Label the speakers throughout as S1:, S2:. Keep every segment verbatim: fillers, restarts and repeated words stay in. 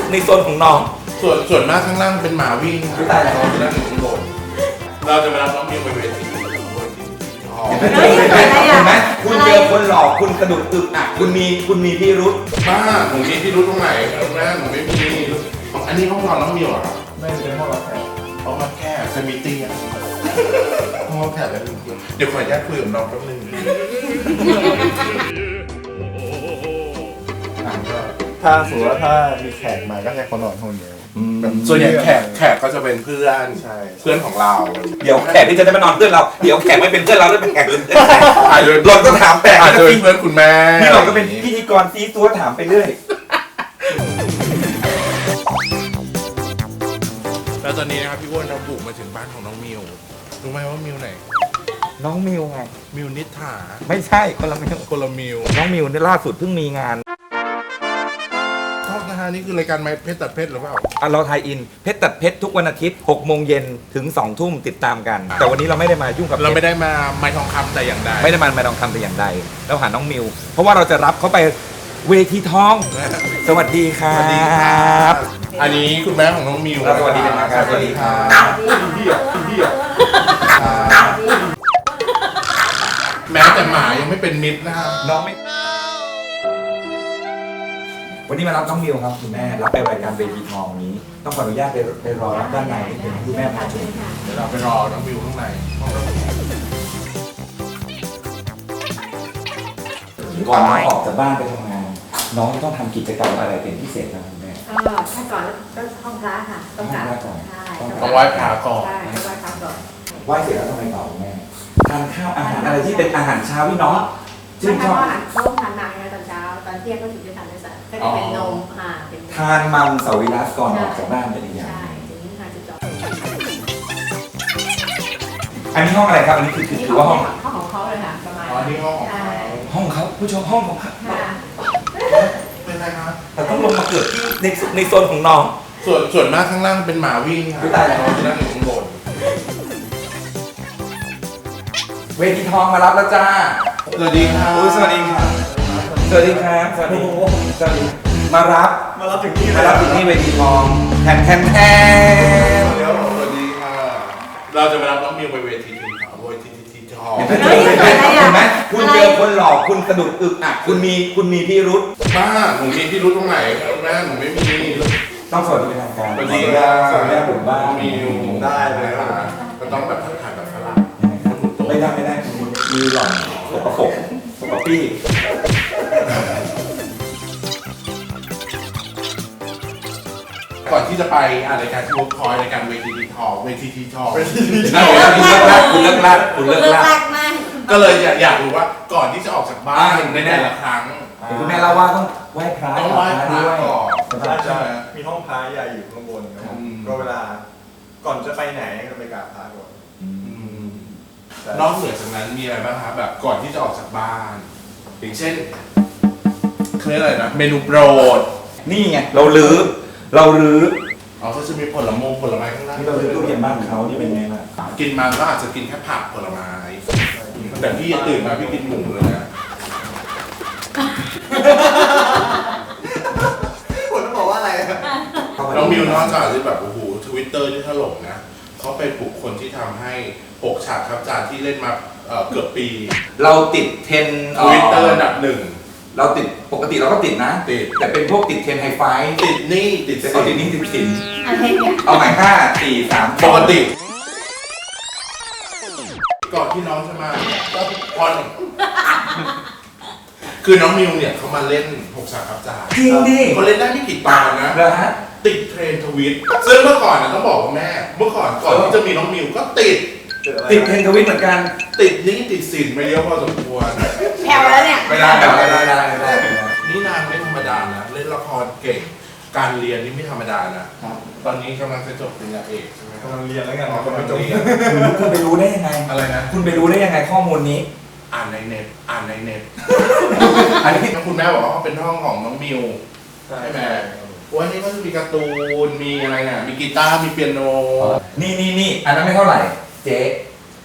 S1: ในโซนของน้อง
S2: ส่วนส่วนมากข้างล่างเป็นหมาวิ่งครับ
S1: ตายแล้ว
S2: น้องจะนั่งอยู่ข้างบนเราจะไปรับน้องมิวไปเวทีอ๋อ
S1: เห็นไหมคุณเจอคนหลอกคุณกระดุกอึกอักคุณมีคุณมีพิรุธ
S2: บ้าหนูมีที่รู้ตรงไหนแม่หนูไม่มีอันนี้ห้องนอนน้องมิวเหรอครับ
S3: ไม่เป็นห้องรับแขก
S2: ห้องรับแขกจะมีเตียงห้องรับแขกแล้วเดี๋ยวขออนุญาตคุยกับน้องแป๊บนึง
S3: ถ้าสมมติว่าถ้ามีแขกมาก็ให้เขานอนห้องเดียวแบบ
S2: ส่วนใหญ่แขกแขกก็จะเป็นเพื่อน
S3: ใช่
S2: เพื่อนของเรา
S1: เดี๋ยวแขกที่จะได้มานอนเพื่อนเราเดี๋ยวแขกไม่เป็นเพื่อนเราแล้วเป็นแขกอื่น
S2: อาจจะ
S1: หล่อนก็ถามแปลก
S2: อาจจะเป็นเพื่อนคุณแม่
S1: นี่หล่อนก็เป็นพิธีกรซีซัวถามไปเรื่อย
S2: แล้วตอนนี้นะครับพี่อ้วนเราบุกมาถึงบ้านของน้องมิวรู้ไหมว่ามิวไหน
S1: น้องมิวไง
S2: มิวนิษฐา
S1: ไม่ใช่คนละมิว
S2: คนละมิว
S1: น้องมิวเนี่ยล่าสุดเพิ่งมีงาน
S2: ชอบนะฮะนี่คือรายการไม้เพชรตัดเพชรหรือเปล่า
S1: อ่ะเราไทยอินเพชรตัดเพชรทุกวันอาทิตย์หกโมงเย็นถึงสองทุ่มติดตามกัน แต่วันนี้เราไม่ได้มายุ่งกับ
S2: เราไม่ได้มาไม้ทองคำแต่อย่างใด
S1: ไม่ได้มาไม่ต้องทำแต่อย่างใดเราหาน้องมิว เพราะว่าเราจะรับเขาไปเวทีทอง สวัสดีครั
S2: สวัสดีครับ บอันนี้คุณแม่ของน้องมิว
S1: สวัสดีเป็นทางการ
S2: สวัสดีครับ
S3: พี่อ่ะพี่อ่ะ
S2: แม้แต่หมายังไม่เป็นมิตรนะครับ
S1: น้องไม่วันนี้มารับน้องมิวครับคุณแม่รับไปรายการเวทีทองนี้ ต้องขออนุญาตไปไปรอรับด้านในนิดนึงคุณแม่พาชม
S2: เดี๋ยวเราไปรอน้องมิวข้างในห้องรับแขก
S1: ก่อนน้องออกจากบ้านไปทำงาน น้องต้องทำกิจกรรมอะไรเป็นพิเศษครับคุณแม่
S4: ก็ถ้าก่อนก็ห้องพระค่ะต้องกราบ
S1: ห้องพระก่อน
S4: ใช่
S2: ต้องไหว้พระก่อน
S4: ใช่ต้องไหว้พระก่อน
S1: ไหว้เสร็จแล้วทำไมต่อคุณแม่ทานข้าวอาหารอะไรที่เป็นอาหารเช้าพี่น้อง
S4: ไม่
S1: ชื่น
S4: ใช่
S1: ชอบ
S4: ว่าอาหารต้องทานหนักไงตอนเช้าตอนเที่ยงก็ถึงจะทานได้สักก็จะเป็นนมค่ะเป็น
S1: ทานมังสวิรัตก่อนออกจากบ้านเป็นอย่าง
S4: ใช่ถึงทานจุดจบ
S1: อันนี้ห้องอะไรครับอันนี้คือคือ
S4: นี่
S1: คือ
S4: ห้
S1: ว่า
S4: อ
S1: ห้อง ง
S4: ห้องของเขาเลยค่ะประมาณ
S2: อ๋อนี่ห้องของเขา
S1: ห้องเขาผู้ชมห้องของเขา
S4: ค่ะ
S2: เป็นไรครับ
S1: แต่ต้องลงมาเกิดที่ในในโซนของน้อง
S2: ส่วนส่วนมากข้างล่างเป็นหมาวิ่งครับ
S1: อุ๊ยตายแล้ว
S2: น้องจะนั่งอยู่ข้างบน
S1: เวทีทองมารับแล้วจ้า
S2: สวัสดีครับ
S1: อุ๊ยสวัสดีครับ สวัสดีครับสวัสดีสวัสดีมารับ
S3: มารับถึงที่เล
S1: มาย รับถึงที่เวทีทองแทนแทนแทน
S2: เดี๋ยวสวัสดีค่ะเราจะไปรับน้องมิวไปเวทีทีทองเวทีทีทอง
S1: เห็นไหมเห็นไหมคุณเจอคนหลอกคุณกระดุกอึกอักคุณมีคุณมีพิรุธ
S2: บ้าหนูมีที่รู้ตรงไหนแม่หนูไม่มี
S1: ต้องสวัสดีเป็นทางการ
S2: สวัสดีครับ
S1: สวัสดีครับผมบ้าน
S2: มิว
S3: ได้เลยครับ
S2: ก็ต้องแบบทักทายแบบฝรั่ง
S1: ไม่ได้ไม่ได้มีหล่อนสกปรกสกปรกปี้
S2: ก่อนที่จะไปอ่านรายการที่เวิร์คพอยต์รายการเวทีทีทองเวทีทีทอง
S1: คุณเลิกลากคุณเลิกลากคุณเลิก
S4: เลิก
S1: ลา
S4: ลาก กมาก
S2: ก็เลยอยากอยากรู้ว่าก่อนที่จะออกจากบ้านในแต่ละครั้ง
S1: เห็นคุณแม่เล่าว่าต้องไหว้พระ
S2: ต้องไหว้พระ
S1: ด้วย
S2: ก่อน
S1: ใช่
S3: ใช่
S1: ไหม
S3: มีห้องพระใหญ่อยู่ข้างบนครับผม
S2: อืม
S3: ก็เวลาก่อนจะไปไหนก็ไปกราบพระก่อน
S1: อืม
S3: แต่
S2: นอกเหนือจากนั้นมีอะไรบ้างครับแบบก่อนที่จะออกจากบ้าน อย่างเช่นเคยกอะไรนะเมนูโปรด
S1: นี่ไงเราลื้อเราลื้อ
S2: อ๋อก็จะมีผลมงผลไม้ข้างล่าง
S1: ที่เราลื้อตู้เย็นบ้านเขานี่เป็นไงล่ะ
S2: กินมาก็อาจจะกินแค่ผักผลไม้แต่พี่ตื่นมาพี่กินหมูเลยนะ
S3: ผมต้องบอกว่าอะไรอะ
S2: น้องมิวนอกจากจะแบบโอ้โหทวิตเตอร์ที่ถล่มนะเขาเป็นบุคคลที่ทำให้ปกฉากครับจานที่เล่นมาเอ่อเกือบปี
S1: เราติดเทรน
S2: ทวิตเตอร์อันดับหนึ่ง
S1: เราติดปกติเราก็ติดนะ
S2: ติด
S1: แต่เป็นพวกติดเทรนไฮไฟ
S2: ติดหนี่ติด
S1: แต่
S2: สิ
S1: เอาติดนี้ติดสิน
S4: อะไรเนี่ย
S1: เอาใหม่ห้าสี่สาม
S2: ปกติ ก่อนที่น้องจะมาก็พอนคือน้องมิวเนี่ยเขามาเล่นหกฉากครับจาน
S1: จริงดิ
S2: เขาเล่นได้ไม่กี่ตอนนะ
S1: เหรอฮะ
S2: ติดเทรนด์ทวิตซึ่งเมื่อก่อนนะต้องบอกว่าแม่ เมื่อก่อนก่อนที่จะมีน้องมิวก็ติด
S1: ติดเทรนทวิตเหมือนกัน
S2: ติดหนี้ติดสินไปเยอะพอสมควร
S4: แผ่วแล้วเนี่ย
S1: ไม่ได้ไม่ได้ไม่ได้ไม่ได้ไม่ได้
S2: นี่นางไม่ธรรมดานะเล่นละครเก่งการเรียนนี่ไม่ธรรมดานะ
S1: ครับ
S2: ตอนนี้กำลังจะจบปริญญาเอกใช่ไหมครับ
S3: กำลังเรียนแล้วกัน
S2: อ๋อกำลังเรียน
S1: คุณไปรู้ได้ยังไง
S2: อะไรนะ
S1: คุณไปรู้ได้ยังไงข้อมูลนี้
S2: อ่านในเน็ตอ่านในเน็ต
S1: อันนี้
S2: คุณแม่บอกว่าเขาเป็นห้องของน้องมิว
S3: ใช่
S2: ใช่ไหม
S3: ไหม
S2: วันนี้ก็จะมีการ์ตูนมีอะไรน่ะมีกีตาร์มีเปียโน
S1: นี่นี่นี่อันนั้นไม่เท่าไหร่ เจ๊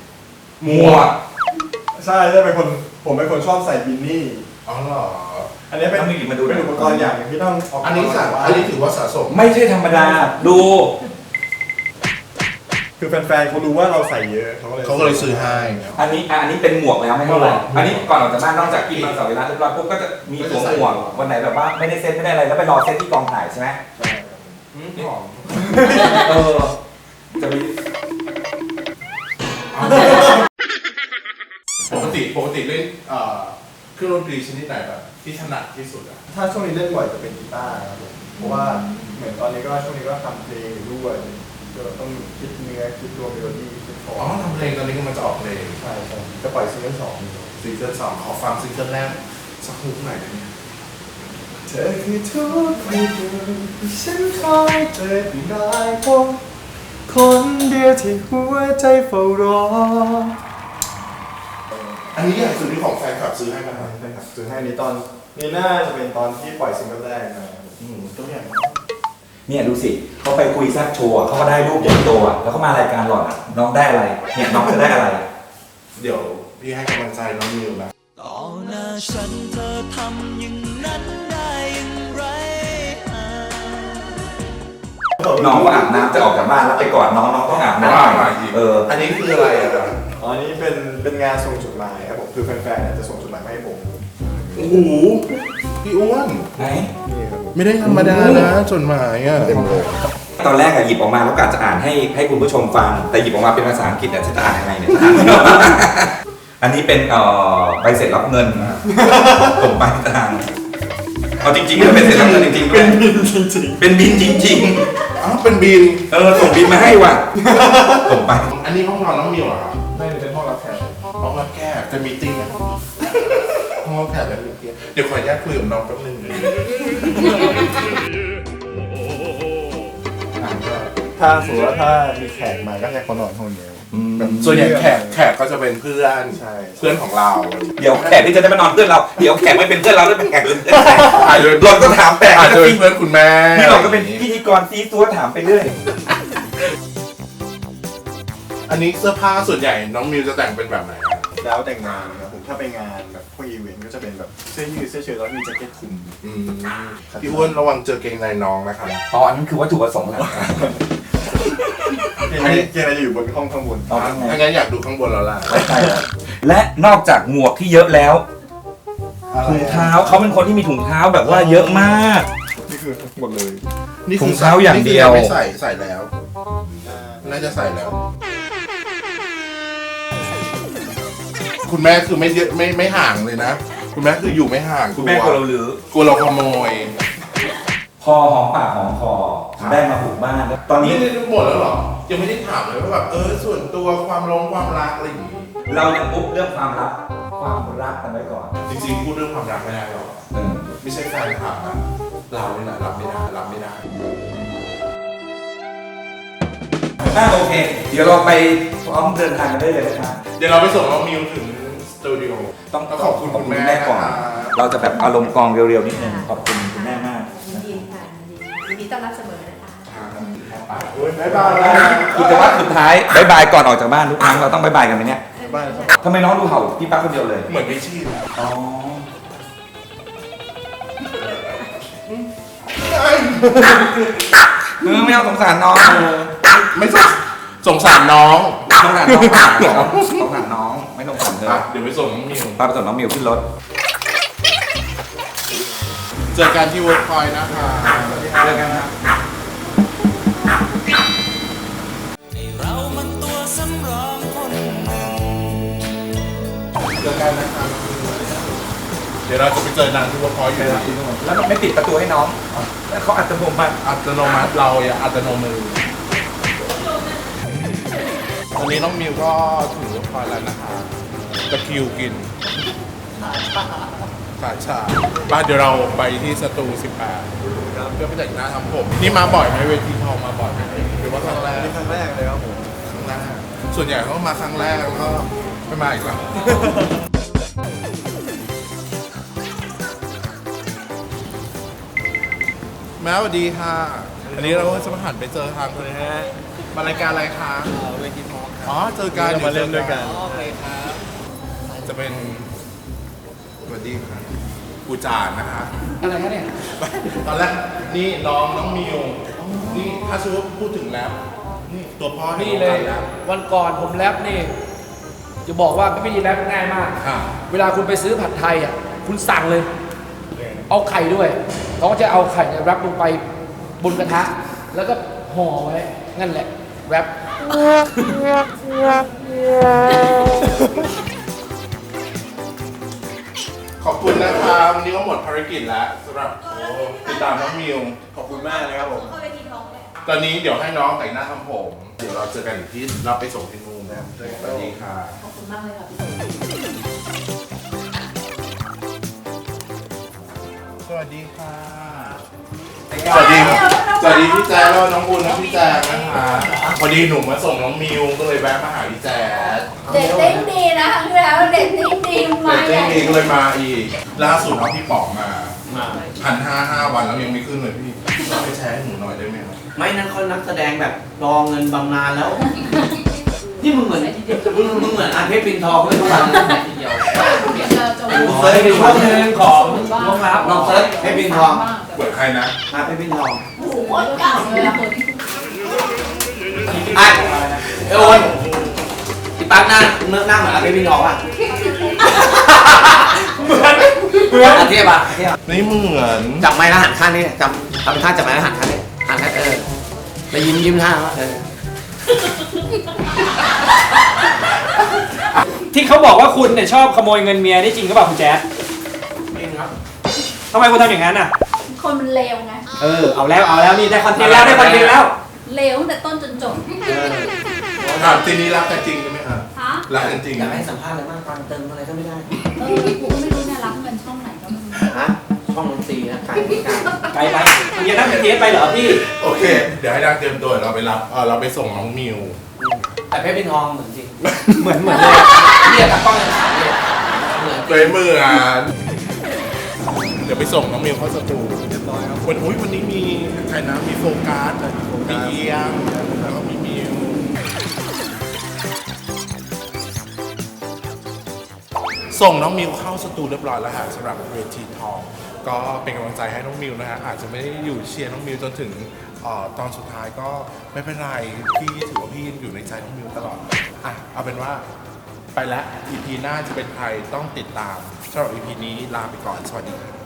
S2: หมวก
S3: ใช่ใช่เป็นคนผมเป็นคนชอบใส่บินนี่
S2: อ๋อเหรอ
S3: อันนี้เป็น
S1: ต้องมีมาดู
S3: เป็นอุปกรณ์อย่างหนึ่งที่ต้องเา
S2: อันนี้สะอันนี้ถือว่าสะสม
S1: ไม่ใช่ธรรมดาดู
S3: คือแฟนๆเขารู้ว่าเราใส่เยอะเขาก็เลย
S2: เขาก็เลยซื้อให้
S1: อันนี้อ่ะอันนี้เป็นหมวกแล้วไม่เท่าไหร่อันนี้ก่อนออกจากบ้านนอกจากกินมังสวิรัติเรียบร้อยปุ๊บก็จะมีสวมหมวกวันไหนแบบว่าไม่ได้เซ็ตไม่ได้อะไรแล้วไปรอเซ็ตที่กองถ่ายใช่ไหม
S2: อืมหอม
S1: เออจะมี
S2: ปกติปกติเล่นเอ่อเครื่องดนตรีชนิดไหนแบบที่ถนัดที่สุดอ่ะ
S3: ถ้าช่วงนี้เล่นบ่อยจะเป็นกีตาร์ครับผมเพราะว่าเหมือนตอนนี้ก็ช่วงนี้ก็ทำเพลงอยู่ด้วยก็ต้องคิดเนื้อคิดตัวเมโลดี้คิดคอ
S2: อ๋อ
S3: ร์ด
S2: ทำเพลงตอนนี้กำลังจะออกเพลง
S3: ใช่ใช่จะปล่อยซิงเกิลสองอยู่
S2: ซิงเกิลสองขอฟังซิงเกิลแรกสักฮุกหน่อยได้ไหม
S3: เธอคือทุกอย่างที่ฉันคอยเจอได้พบคนเดียวที่หัวใจเฝ้ารอ
S2: อันนี้อย่างสุดที่ของแฟนคลับซื้อให้มาครับ
S3: ใช่ครับซื้อให้นี้ตอนนี้น่าจะเป็นตอนที่ปล่อยซิงเกิลแรกมา
S2: อืมตัวอย่าง
S1: เนี่ยดูสิเขาไปคุยแซักโชว์อะเขาก็ได้รูปใหญ่โตอะแล้วเขามารายการหล่อนอะน้องได้อะไรเนี่ยน้องจะได้อะไร
S2: เดี๋ยวพี่ให้กำลังใจน้องมิวนะ
S5: ต่อหน้าฉันเธอทำอย่างนั้นได้อย่างไรอ่า
S1: น้องก็อาบน้ำจะออกจากบ้านแล้วไปกอดน้องน้องต้องอาบน้ำหน่อยเออ
S2: อันนี้คืออะไรอ่ะ
S3: อ๋ออันนี้เป็นเป็นงานส่งจดหมายครับผมคือแฟนๆเนี่ยจะส่งจดหมายมาให้ผม
S2: โอ้โหพี่อ้วน
S1: ไหน
S3: นี่ครับผม
S2: ไม่ได้ธรรมดานะจดหมายอ่ะ
S3: เต็มเลย
S1: ตอนแรกอะหยิบออกมาแล้วกะจะอ่านให้ให้คุณผู้ชมฟัง แต่หยิบออกมาเป็นภาษาอังกฤษอะจะอ่านยังไงเนี่ย อันนี้เป็นเอ่อใบเสร็จรับเงินผมไปทางเอาจริงๆมันเป็นเสร็จรับเงินจริงๆด้วย
S3: จริง
S1: เป็นบินจริง
S2: อ้าวเป็นบิน
S1: ๆ เออส่งบินมาให้ว่ะผมไป
S2: อันนี้ห้องนอนน้องมิวเหรอครับ
S3: ๆไม่ได้เป็นห้องรับแขก
S2: ห้องรับแขกจะมีติ้งไหมห้องรับแขกจะมีติ้งเดี๋ยวขออนุญาตคุยกับน้องแป๊บนึงเลย
S3: ถ้าสมมติว่าถ้ามีแขกมาก็ให้เขานอนห้องเดียวแบบ
S2: ส่วนใหญ่แขกแขกก็จะเป็นเพื่อน
S3: ใช่
S2: เพื่อนของเรา
S1: เดี๋ยวแขกที่จะได้มานอนเพื่อนเราเดี๋ยวแขกไม่เป็นเพื่อนเราได้เป็นแขกเป็นเพื่อน
S2: อาจจะ
S1: หล่อนก็ถามแปลก
S2: อาจ
S1: นะ
S2: จะเป็น
S1: พี่
S2: เพื่อนคุณแม่
S1: พี่หล่อนก็เป็นพิธีกรซีซัวถามไปเรื่อย
S2: อันนี้เสื้อผ้าส่วนใหญ่น้องมิวจะแต่งเป็นแบบไหนอะ
S3: แล้วแต่งงานครับผมถ้าไปงานแบบพวกอีเวนต์ก็จะเป็นแบบเสื้อยืดเสื้อเชิ้ตแล้วมีแจ็คเก็ตคลุม
S2: อืมพี่อ้วนระวังเจอเกงในน้องนะครับ
S1: อ๋ออันนั้นคือวัตถุประสงค์หลัก
S3: เกงในเกงในจะอยู่บนห้องข้างบน
S1: อ๋อข้างใน
S2: ถ้างั้นอยากดูข้างบนแล้วล่ะ
S1: ไม่ใช่ครับและนอกจากหมวกที่เยอะแล้วถุงเท้าเขาเป็นคนที่มีถุงเท้าแบบว่าเยอะมาก
S3: นี่คือหมดเลย
S2: นี่
S1: ถุงเท้าอย่างเดียว
S2: นี่คือไม่ใส่ใส่แล้ว น่าจะใส่แล้ว คุณแม่คือไม่เยอะไม่ไม่ห่างเลยนะ คุณแม่คืออยู่ไม่ห่าง
S1: คุณแม่กลัวเราลือก
S2: ลัวเราขโมย
S1: พอหอมปากหอมคอได้มาปลูกบ้านแล้วตอนนี้
S2: นี่หมดแล้วเหรอ ยังไม่ได้ถามเลยว่าแบบเออส่วนตัวความลงความรักอะไรอย่างงี้
S1: เรายังอุ๊บเรื่องความรักความรักกันไว้ก่อน
S2: จริงๆพูดเรื่องความรักไม่ได้หรอก
S1: เออ
S2: ไม่ใช่แฟนคลับนะเราเนี่ยแหละรับไม่ได้รับไม่ได้
S1: อ่ะโอเค เดี๋ยวเราไปพร้อมเดินทางกันได้เลยนะครับ
S2: เดี๋ยวเราไปส่งน้องมิวถึงสตูดิโอ
S1: ต้อง
S2: ขอบคุณคุณแม่
S1: ก่อน
S2: นะครับ
S1: เราจะแบบอารมณ์กองเร็วๆนิดนึงขอบคุณคุณแม่มาก
S4: ยินดีค่ะยินดียินดีต้อนรับเสมอนะคะ
S3: โอ้ยบ๊ายบาย
S1: กิจวัตรสุดท้ายบายบายก่อนออกจากบ้านทุกครั้งเราต้องบายบายกันไหมเนี่ย
S3: บ้านครับ
S1: ทำไมน้องดูเห่าพี่ปั๊กคนเดียวเลย
S2: เหมือนไม่ชิน
S1: อ๋อเออไม่เอาสงสารน้อง
S2: ไม่สงสงสารน้อง
S1: สงสารน้องสงสารน้องสงสารน้องไม่ต้องสงสารเธอ
S2: อ่ะเดี๋ยวไปส่งน้องมิว
S1: พาไปส่งน้องมิวขึ้นรถ
S2: เจอกันที่เวิร์กพอยต์นะคะ
S1: เจอกันครับ
S5: ให้เรามันตัวสำรองคนหนึ่ง
S2: เจอกันนะคะเดี๋ยวเราจะไปเจอนางที่เวิร์กพอยต์อยู่นะ
S1: แล้วไม่ปิดประตูให้น้องแล้วเขาอัตโนมัติ
S2: อัตโนมัติเราอย่าอัตโนมือตอนนี้น้องมิวก็ถึงเวิร์กพอยต์แล้วนะคะตะคริวกินขาชาบ้านเดี๋ยวเราไปที่สตูสิบแปดเพื่อไปแต่งหน้าทำผม นี่มาบ่อยไหมเวทีทองมาบ่อยไหมหรือว่าครั้งแรก
S3: นี่ครั้งแรกเลยครับผม
S2: ครั้งแรกส่วนใหญ่เขามาครั้งแรกแล้วก็ไม่มาอีกแล้ว แม่สวัสดีค่ะ อันนี้เราก็จะมาหันไปเจอทางคนนี้ฮะมารายการอะไรคะเวทีทองอ๋อ เจอกัน
S3: เรามาเล่นด้วยกัน
S2: โอเคครับ จะเป็นสวัสดีค่ะกูจานนะฮะ
S6: อะไรคะเนี่ย
S2: ตอนแรกนี่น้องน้องมิวนี่ถ้าสมมติพูดถึงแล้วนี่ตัวพ่อแห่ง
S6: นี่
S2: วง
S6: เล
S2: กาย รแล้ว
S6: วันก่อนผมแรปนี่ จะบอกว่าวิธีแรปง่ายมาก
S2: ค่ะ
S6: เวลาคุณไปซื้อผัดไทยอ่ะคุณสั่งเลย เอาไข่ด้วยเขาก็จะเอาไข่เนี่ยแรปลงไปบนกระทะ แล้วก็ห่อไว้นั่นแหละแรป
S2: ขอบคุณนะครับวันนี้ก็หมดภารกิจแล้วสำหรับโอ้ติดตามน้องมิว
S3: ขอบคุณมากเลยครับผม
S2: ตอนนี้เดี๋ยวให้น้องแต่งหน้าทำผม เดี๋ยวเราเจอกันอีกที่เราไปส่งที่นู่นนะครับสวัสดีค่ะ
S4: ขอบคุณมากเลยค่ะพี่
S2: สวัสดีค่ะ สวัสดีสวัสดีพี่แจ๊คแล้วน้องบุญและพี่แจ๊คนะคะพอดีหนูมาส่งน้องมิวก็เลยแวะมาหาพี่แจ๊ค
S4: เด็ดเต้นดีนะครั้งที่แล้วเด็ดเต้นดีมา
S2: แต่
S4: ก
S2: เจ๊มีก็เลยมาอีก ล่าสุดเอาพี่ป๋องมาพันห้าห้าวันแล้วยังไม่ขึ้นเลยพี่เราไปแชร์ให้หนูหน่อยได้ไหมครับ
S7: ไม่นั่นเขานักแสดงแบบรอเงินบำนาญแล้ว นี่มึงเหมือนมึงมึงเหมือนอาเพชรปินทองเลยทุกวันทีเดียว
S6: ผมเคยไปช่วงหนึ่งของโรงรับ
S7: ลองเซิร์ชเพชรปินทอง
S2: เปิดใครนะ
S7: อาเพชรปินทอง
S4: โอ้โหโคตรเก่าเลยอะ
S7: ไอ้เอโอนที่ปั๊กหน้าเนื้อหน้าเหมือนอาเพชรปินทองป่ะเหมือนเหมือนอาเทียบอ่ะอาเทียบ
S2: นี่เหมือน
S7: จับไม้แล้วหันข้างนี้จำทำท่าจับไม้แล้วหันข้างนี้หันข้างเออแล้วยิ้มยิ้มท่าว่าเออ
S8: ที่เขาบอกว่าคุณเนี่ยชอบขโมยเงินเมียนี่จริงก็เปล่าคุณแจ๊ด
S7: จริงครับ
S8: ทำไมคุณทำอย่างนั้นอ่ะ
S4: คนมันเลวไง
S8: เออเอาแล้วเอาแล้วนี่ได้คอนเทนต์แล้วได้คอนเทนต์แล้ว
S4: เลวตั้งแต่ต้นจนจบ
S2: ถามทีนี้รักกันจริงใช่ไหมครับ
S4: ฮะ
S2: รักกันจริง
S7: อยากให้สัมภาษณ์อะไรมากฟังเติมอะไรก็ไม่ได้
S4: เออกูก็ไม่รู้เนี่ยรับเงินช่องไหนก็ไม่รู้
S7: ฮะช่องดนตรีนะไก่ไก่
S8: ไปไปคุณจะนั่งเทสไปเหรอพี่
S2: โอเค เดี๋ยวให้ดังเตรียมตัวเราไปรับเออเราไปส่งน้องมิว
S7: แต่เพชรปินทองเหมือนจริง
S8: เหมือนเหมือนเลย
S7: เรียกกับกล้องยังถามเลยเหมือน
S2: เลยมืออ่ะเดี๋ยวไปส่งน้องมิวเข้าสตูเรียบร้อยครับวันอุ้ยวันนี้มีใครนะมีโฟกัสมีเอียงแล้วก็มีมิวส่งน้องมิวเข้าสตูเรียบร้อยแล้วฮะสำหรับเวทีทองก็เป็นกำลังใจให้น้องมิวนะฮะอาจจะไม่ได้อยู่เชียร์น้องมิวจนถึงเอ่อตอนสุดท้ายก็ไม่เป็นไรพี่ถือว่าพี่ยังอยู่ในใจน้องมิวตลอดอ่ะเอาเป็นว่าไปแล้ว อี พี หน้าจะเป็นใครต้องติดตามสำหรับ อี พี นี้ลาไปก่อน สวัสดีครับ